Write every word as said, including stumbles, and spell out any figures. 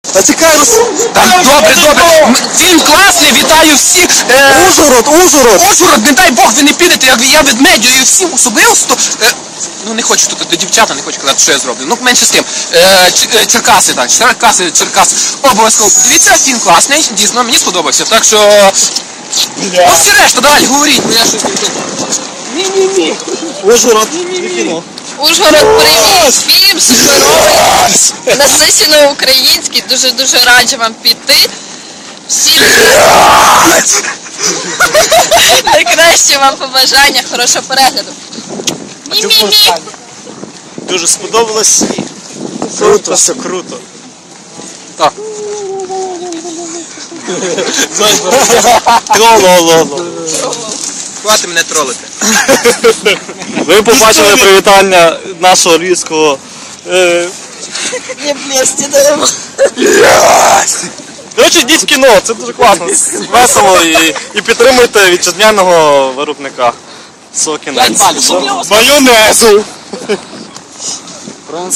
Та чекай, Рус... Та добре, добре. М- Фільм класний, вітаю всіх. Е, Ужгород, Ужгород! Ужгород, не дай Бог, ви не підете, як я ведмедю всім особисто. Е, ну не хочу тут до дівчата, не хочу казати, що я зроблю. Ну менше з тим. Е, Ч- е, Черкаси, так, Черкаси, Черкаси. Обов'язково подивіться, фільм класний, дійсно, мені сподобався. Так що... Ну всі решта, далі, говоріть, бо я щось не тут. Ні-ні-ні. Ужгород, і кіно. Ужгород, привіт! Фільм суперовий, насичено український, дуже-дуже раджу вам піти. Всім найкраще вам побажання, хорошого перегляду. Мі-мі-мі! Дуже сподобалось. Круто, все круто. Так. Тролололо. Хвати мене тролити. Ви побачили привітання нашого львівського. Е... Не блесті даємо. Коротше, йдіть в кіно, це дуже класно, весело і, і підтримуйте вітчизняного виробника свого кіна. П'ять балів. Майонезу!